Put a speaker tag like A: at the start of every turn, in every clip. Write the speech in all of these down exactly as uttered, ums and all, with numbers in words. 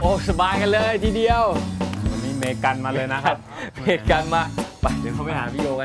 A: โอ้สบายกันเลยทีเดียววันนี้เมกันมาเลยนะครับเมกันมาไปเดี๋ยวเขาไปหาพี่โยกัน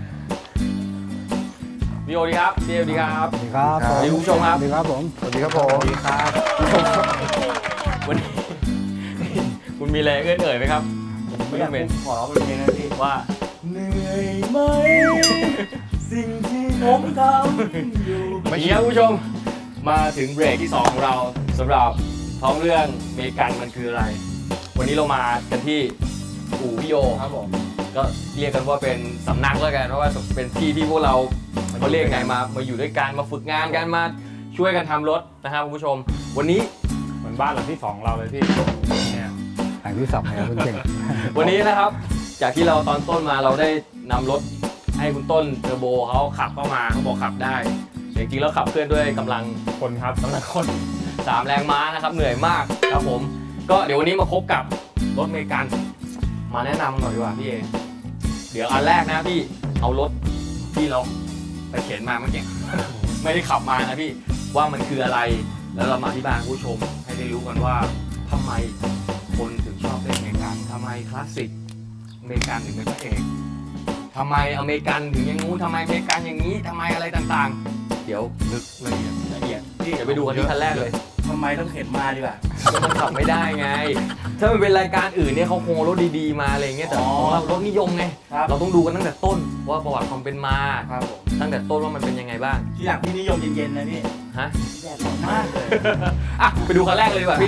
A: พี่โยดีครับพี่โยดีครับ
B: สวัสดีครับสวัสดี
A: ผู้ชมครับ
B: สวัสดีครับผม
C: สวัสดีครับผม
A: สวัสดีครับวันนี้คุณมีอะไรเอื้อนเอ่ยไหมครับไม่ต้องเป็นขอร้องเป็นเพลงนะพี่ว่าเหนื่อยไหมสิ่งที่ผมทำอยู่ไม่ใช่ผู้ชมมาถึงเบรกที่สองของเราสำหรับท้องเรื่องเมกันมันคืออะไรวันนี้เรามากันที่อู่พี่โยครับผมก็เรียกกันว่าเป็นสำนักแล้วกันเพราะว่าเป็นที่ที่พวกเราเขาเรียกไงมามาอยู่ด้วยกันมาฝึกงานกันมาช่วยกันทำรถนะครับคุณผู้ชมวันนี้เหมือนบ้านหลังที่สองเราเลยพี่เนี่ย
B: หลังที่สองเลยคุณเก่ง
A: วันนี้นะครับจากที่เราตอนต้นมาเราได้นำรถให้คุณต้นเทอร์โบเขาขับเข้ามาเขาบอกขับได้จริงๆแล้วขับเคลื่อนด้วยกำลังคนครับกำลังคนสามแรงม้านะครับเหนื่อยมากครับผมก็เดี๋ยววันนี้มาพบกับรถเมกันมาแนะนำหน่อยดีกว่าพี่เอเดี๋ยวอันแรกนะพี่เอารถที่เราไปเข็นมาเมื่อกี้ไม่ได้ขับมานะพี่ว่ามันคืออะไรแล้วเรามาที่บ้านผู้ชมให้ได้รู้กันว่าทำไมคนถึงชอบเล่นเมกันทำไมคลาสสิกเมกันถึงเป็นพระเอกทำไมอเมริกันถึงอย่างงู้นทำไมอเมริกันอย่างนี้ทำไมอะไรต่างๆเดี๋ยวลึกละเอียดละเอียดเดี๋ยวไปดูกันที่คันแรกเลย
D: ทำไมต้องเข็นมาดีกว่า
A: มันขับไม่ได้ไงถ้ามันเป็นรายการอื่นเนี่ยเขาคงรถดีๆมาอะไรเงี้ยแต่ของเรารถนิยมไงเราต้องดูกันตั้งแต่ต้นว่าประวัติความเป็นมาตั้งแต่ต้นว่ามันเป็นยังไงบ้าง
D: ที่อย่างพี่นิยมเย็นๆนะพี่
A: ฮะ
D: แย่มากเลย
A: อ่ะไปดูคันแรกเลยดีกว่าพี่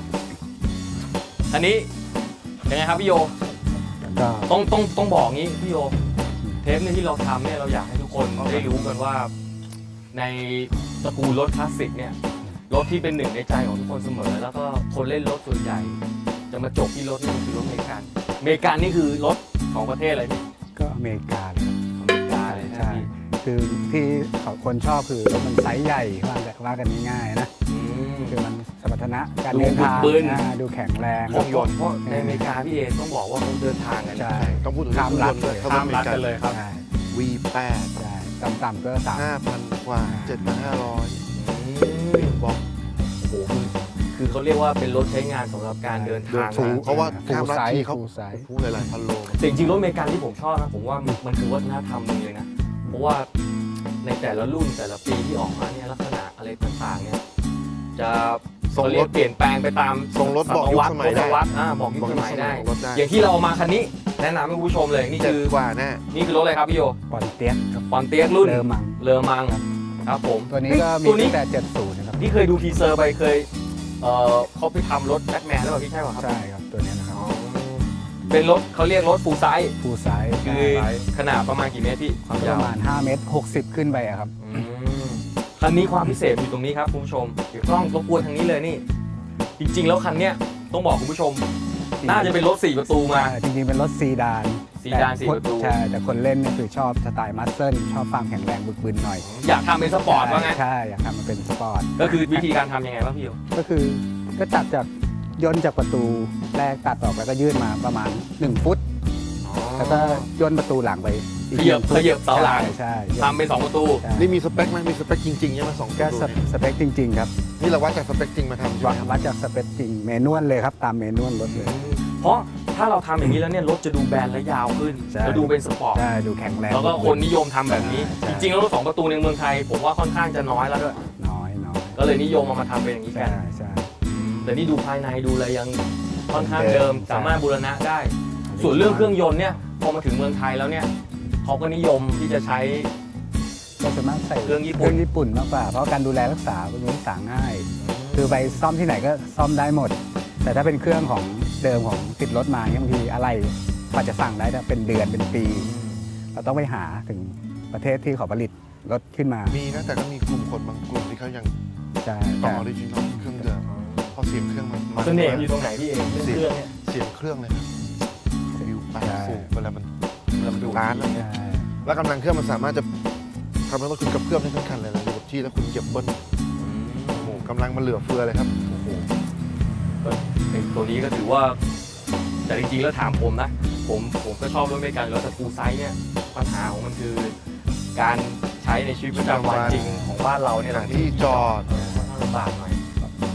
A: อันนี้ยังไงครับพี่โยต้องต้องต้องบอกงี้พี่โยเทปเนี่ยที่เราทำเนี่ยเราอยากให้ทุกคนได้รู้กันว่าในตระกูลรถคลาสสิกเนี่ยรถที่เป็นหนึ่งในใจของทุกคนเสมอแล้วก็คนเล่นรถส่วนใหญ่จะมาจบที่รถนี่คือรถอเมริกันอเมริกันนี่คือรถของประเทศอะไรพี่
B: ก็อเมริกาเลย
A: อเมริกาเลย
B: ใช่คือที่เขาคนชอบคือมันไซส์ใหญ่ว่าว่ากันง่ายๆนะคือมันสมรรถนะการเดินทางดูแข็งแรง
A: เครื่องยนต์เพราะในอเมริกาพี่เอต้องบอกว่าเขาเดินทางกัน
B: ใช่
C: ต้องพูดถึง
B: ข้ามรัฐเลย
A: ข้ามรัฐกันเลยครับ
C: วี แปด
B: ใช่ต่ำๆก็สาม
C: ห้าพันกว่าเจ็ดพันห้าร้อยบอก
A: โอ้โหคือเขาเรียกว่าเป็นรถใช้งานสำหรับการเดินทาง
C: เพราะว่าข้ามรัฐที่เขาพูดหลายพันโล
A: แต่จริงๆรถอเมริกันที่ผมชอบนะผมว่ามันคือวัฒนธรรมนึงเลยนะเพราะว่าในแต่ละรุ่นแต่ละปีที่ออกมาเนี่ยลักษณะอะไรต่างๆเนี่ยจะ
C: ส่งรถ
A: เปลี่ยนแปลงไปตาม
C: ส่งรถบอกยุคสมัยได้
A: บอกยุคสมัยได้อย่างที่เราเอามาคันนี้แนะนำให้ผู้ชมเลยนี่คือก
C: ว่าแน่
A: นี่คือรถอะไรครับพี่โย
B: ปอนเตียก
A: ปอนเตียกรุ่น
B: เลอมัง
A: เลอมังครับผม
B: ตัวนี้ก็มีตั้งแต่เจ็ดสิบนะครับ
A: นี่เคยดูทีเซอร์ไปเคยเอ่อเขาไปทำรถแบทแมนแล้วพี่ใช่ป่ะครับ
B: ใช่ครับตัวนี้นะครับ
A: เป็นรถเขาเรียกรถฟูลไซส์
B: ฟูลไซส์
A: คือขนาดประมาณกี่เมตรพี่
B: ความยาวประมาณห้าเมตรหกสิบขึ้นไปครับ
A: คันนี้ความพิเศษอยู่ตรงนี้ครับคุณผู้ชมเดี๋ยวกล้องรบกวนทางนี้เลยนี่จริงๆแล้วคันเนี้ยต้องบอกคุณผู้ชมน่าจะเป็นรถสี่ประตูมา
B: จริงๆเป็นรถซีดาน
A: ซีดานสี่ประตู
B: ใช่แต่คนเล่นเนี่ยคือชอบสไตล์มัสเซิลชอบความแข็งแรงบึกบึนหน่อย
A: อยากทำเป็นสปอร์ตว่าไง
B: ใช่อยากทำมันเป็นสปอร์ต
A: ก็คือวิธีการทำยังไงบ้างพี่โย
B: ก็คือก็ตัดจากย่นจากประตูแรกตัดออกแล้วก็ยื่นมาประมาณหนึ่งฟุตแล้วก็ย่นประตูหลังไป
A: ขยับขยับเสาหลัง
B: ใช่
A: ทำเป็นสองประตู
C: นี่มีสเปคไหมมีสเปคจริงๆใช่ไหมสอง
B: ก็สเปคจริงๆครับ
C: นี่เราวัดจากสเปคจริงมาทำ
B: วัดจากสเปคจริงเมนวลเลยครับตามเมนวลรถเลย
A: เพราะถ้าเราทำอย่างนี้แล้วเนี่ยรถจะดูแบนและยาวขึ้นจะดูเป็นสปอร์ต
B: ใช่ดูแข็งแรง
A: แล้วก็คนนิยมทำแบบนี้จริงๆแล้วรถสองประตูในเมืองไทยผมว่าค่อนข้างจะน้อยแล้วด้วย
B: น้อยน้อย
A: ก็เลยนิยมมามาทำเป็นอย่างนี้กัน
B: ใช่
A: แต่นี่ดูภายในดูอะไรยังค่อนข้างเดิมสามารถบูรณะได้ส่วนเรื่องเครื่องยนต์เนี่ยพอมาถึงเมืองไทยแล้วเนี่ยเขาก็นิยมที่จะใช้
B: ก็ส่วนมากใส่
A: เครื่องญี่ปุ่น
B: เครื่องญี่ปุ่นมากกว่าเพราะการดูแลรักษาเป็นรักษาง่ายคือไปซ่อมที่ไหนก็ซ่อมได้หมดแต่ถ้าเป็นเครื่องของเดิมของติดรถมาเนี่ยบางทีอะไรกว่าจะสั่งได้เป็นเดือนเป็นปีเราต้องไปหาถึงประเทศที่เขาผลิตรถขึ้นมา
C: มีนะแต่ก็มีกลุ่มคนบางกลุ่มที่เขายังต่อออริจินอลเครื่องเดิมเพราะเสียงเครื่องมัน
A: เสน่ห์อยู่ตรงไหนพี่เองเสียงเนี่ย
C: เสียงเครื่องเลยครับฟิวไปฟูเวลามันเวลามันดูร้านแล้วกำลังเครื่องมันสามารถจะทำให้รถคุณกับเพื่อมได้ทั้งคันเลยนะอยู่กับที่แล้วคุณเหยียบเบิ้ลโอ้โหกำลังมันเหลือเฟือเลยครับโอ้โห
A: ตัวนี้ก็ถือว่าแต่จริงๆแล้วถามผมนะผมผมก็ชอบรถอเมริกันแล้วแต่ฟูลไซส์เนี่ยปัญหาของมันคือการใช้ในชีวิตประจำวันจริงของบ้านเราเนี่ย
C: ที่จอด
A: ลำบากหน่อย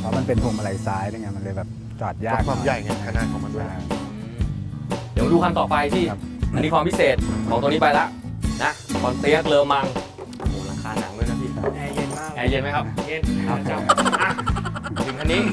B: เพราะมันเป็นพวงมาลัยซ้ายนี่ไงมันเลยแบบจอดยาก
C: ความใหญ่ไงขนาดของมันด้วย
B: ใช่
A: เดี๋ยวดูคันต่อไปที่
B: ครับ
A: อันนี้ความพิเศษของตัวนี้ไปละนะคอนเตียกเลอมังโอ้โหราคาหนังด้วยนะพี่
D: แอร์เย็นมาก
A: แอร์เย็นไหมครับ
D: เย็น
A: ครับผมอ่ะถึงคันนี้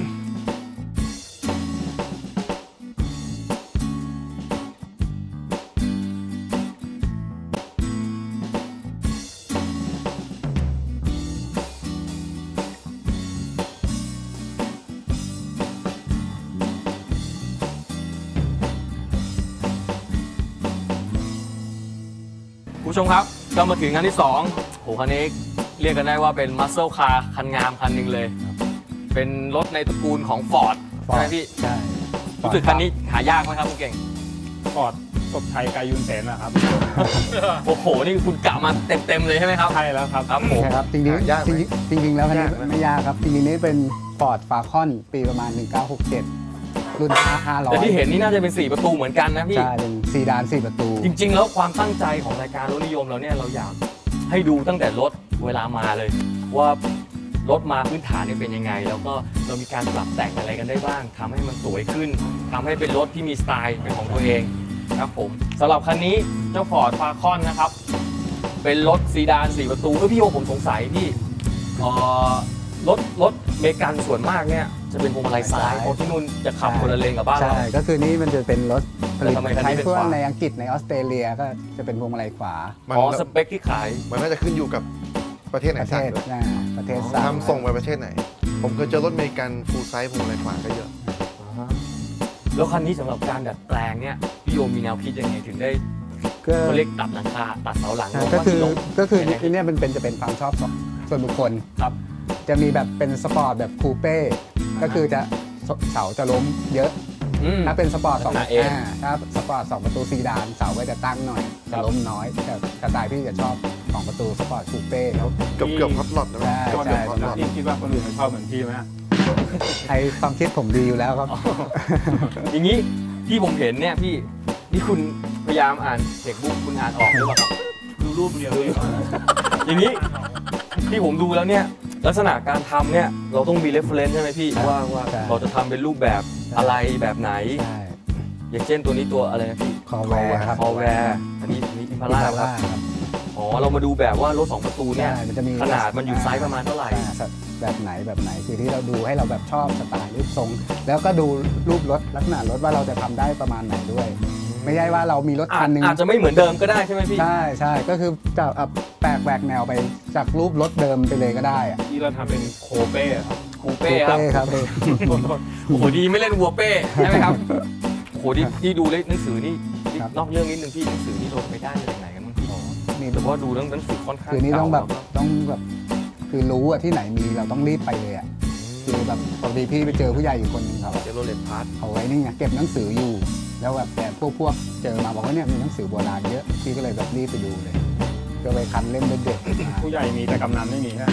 A: ผู้ชมครับก็มาถึงคันที่สองโหคันนี้เรียกกันได้ว่าเป็นมัสเซ e คาร์คันงามคันหนึ่งเลย เป็นรถในตระกูลของ Ford ใช่ไหมพี่
B: ใช่
A: รู้สึกคันนี้หายากไหมครับคุณเก่ง
E: ฟอร์ดศพไทยกายุนเสนนะครับ
A: โอ้โห นี่คุณกะมาเต็มๆเลยใช่ไหมครับ
E: ใช่แล้วครับ
A: ครับผม
B: ใช่ครับจริง
C: ยากไหม
B: ๆจริงๆจริงๆแล้วคันนี้
C: ยากไหม
B: ไม่ยากครับจริงๆนี่เป็น Ford Falcon ปีประมาณหนึ่งเก้าหกเจ็ดรุ่นห้าร้อย
A: แต่ที่เห็นนี่น่าจะเป็นสี่ประตูเหมือนกันนะพี่
B: ใช่เป็นซีดานสี่ประตู
A: จริงๆ แล้วความตั้งใจของรายการรถนิยมเราเนี่ยเราอยากให้ดูตั้งแต่รถเวลามาเลย ว่ารถมาพื้นฐานเนี่ยเป็นยังไง แล้วก็เรามีการปรับแต่งอะไรกันได้บ้างทำให้มันสวยขึ้นทำให้เป็นรถที่มีสไตล์เป็นของตัวเองครับผมสำหรับคันนี้เจ้า Ford Falcon นะครับ เป็นรถซีดานสี่ประตูเออพี่โอผมสงสัยพี่เอ่อรถรถเมกันส่วนมากเนี่ยจะเป็นพวงมาลัยซ้ายเพราะที่นู่นจะขับคนละเลนกับบ้านเรา
B: ใช่ก็คือนี่มันจะเป็นรถผลิต
A: แต่ทำไมคันนี้
B: ใช้
A: เป็น
B: ทั่ว
A: ขวา
B: ในอังกฤษในออสเตรเลียก็จะเป็นพวงมาลัยขวา
C: มัน
A: อ๋อสเปคที่ขาย
C: มันน่าจะขึ้นอยู่กับประเทศไหน
B: ประเท
C: สั่ง
B: ศ
C: ด้วย
B: นะประเทศสั่ง
C: ทำส่งไปประเทศไหน ผมเคยเจอรถอเมริกันฟูลไซส์ผมอะไรขวาก็เยอะ
A: แล้วคันนี้สำหรับการดัดแปลงเนี่ยพี่โยมมีแนวคิดยังไงถึงได้
B: ก็
A: เขาเรียกตัดหลังคาตัดเสาหลัง
B: ก็คือ
A: ลง
B: ก็คือ
A: ยังไง
B: เนี่ยมันเป็นจะเป็นความชอบของส่วนบุคคล
A: ครับ
B: จะมีแบบเป็นสปอร์ตแบบคูเป้ก็คือจะเสาจะล้มเยอะ
A: อืม
B: ถ้าเป็นสปอร์ตสอง
A: ลักษณะเอง
B: าถ้าสปอร์ตสองประตูซีดานเสาก็จะตั้งหน่อยจะล้มน้อยแต่สไตล์พี่จะชอบสองประตูสปอร์ตคูเป้ครับ
C: เกือบเกือบพับหลอดนะ
B: ใช่
C: เกือบ
B: ใช่
C: เกือบพับหลอด
E: พี่คิดว่าคนอื่นชอบเหมือนพี่ไหม
B: ไอความคิดผมดีอยู่แล้วครับ
A: อย่างนี้ที่ผมเห็นเนี่ยพี่นี่คุณพยายามอ่านเช็คบุ๊กคุณอ่านออกหรือเปล่าครับ
D: ดูรูปเดียวเลย
A: อย่างนี้ที่ผมดูแล้วเนี่ยลักษณะการทำเนี่ยเราต้องมี reference ใช่ไหมพี่
B: ใช่
A: ว่าว่า
B: ใช่
A: เราจะทำเป็นรูปแบบอะไรแบบไหน
B: ใช่
A: อย่างเช่นตัวนี้ตัวอะไรนะพี่
B: คอแวร์ครับ
A: คอแวร์อันนี้นี่อิมพา
B: พิ
A: ร่า
B: ซา
A: ครั
B: ร่า
A: บ
B: ครับ
A: อ๋อเรามาดูแบบว่ารถสองประตูเนี่ย
B: ใช่มันจะมี
A: ขนาดมันอยู่ไซส์ประมาณเท่าไหร่
B: อ่แบบไหนแบบไหนคือที่เราดูให้เราแบบชอบสไตล์รูปทรง แล้วก็ดูรูปรถลักษณะรถว่าเราจะทำได้ประมาณไหนด้วย ไม่ใช่ว่าเรามีรถ
A: อา
B: คั
A: จ
B: นหนึง
A: อาจจะไม่เหมือนเดิมก็ได้ใช่ไหมพี่
B: ใช่ใช่ก็คือจะเอาแปลกแหวกแนวไปจากรูปรถเดิมไปเลยก็ได้อะ
E: ที่เราทำเป็นโคเป้ครับ
A: คูเป้ครับ
B: ครับ
A: โอ้โหดีไม่เล่นวัวเป้ใช่ไหมครับโอ้โหที่ที่ดูเล่นหนังสือนี่นี่
B: ครับ
A: นอกเรื่องนิดนึงพี่หนังสือนี่โหลดไปได้จากไหนกันบ้างพี่
B: นี่
A: แต่ว่าดูเรื่องหนังสือค่อนข้าง
B: คือนี่ต้องแบบ
A: เก่า
B: ต้องแบบคือรู้อะที่ไหนมีเราต้องรีบไปเลยอะคือแบบปกติพี่ไปเจอผู้ใหญ่อยู่คนหนึงเขา
A: แล้วเจโรเลตพาร์ท
B: เอาไว้นี่ไงเก็บหนังสืออยู่ แล้วแบบแต่พวกพวกเจอมาบอกว่าเนี่ยมีหนังสือโบราณเยอะพี่ก็เลยแบบรีบไปดูเลยก็ไปคันเล่มเด็ดๆมา
E: ผู้ใหญ่มีแต่กำนันไม่มีฮะ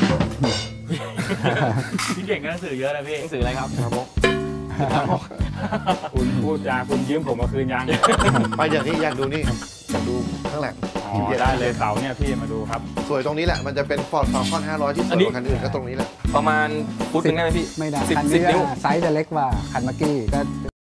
D: พี่เก่งก็หนังสือเยอะนะพี่
A: หนังสืออะไรครับครับผม
E: คุณพูดจาคุณยืมผมมาคืนยัง
C: ไปอย่างนี้อยากดูนี่อยากดูข้างหลัง
E: อ๋อได้เลยเสาเนี่ยพี่มาดูครับ
C: สวยตรงนี้แหละ มันจะเป็น Ford Falcon ห้าร้อยที่สวยกว่าคันอื่นก็ตรงนี้แหละ
A: ประมาณฟุตหนึงได้ไหมพี่
B: ไม่ได้
A: สิบ
B: คัน
A: สิบ
B: นี้
A: นิ้ว
B: ไซส์จะเล็กกว่าคันเมื่อกี้ก็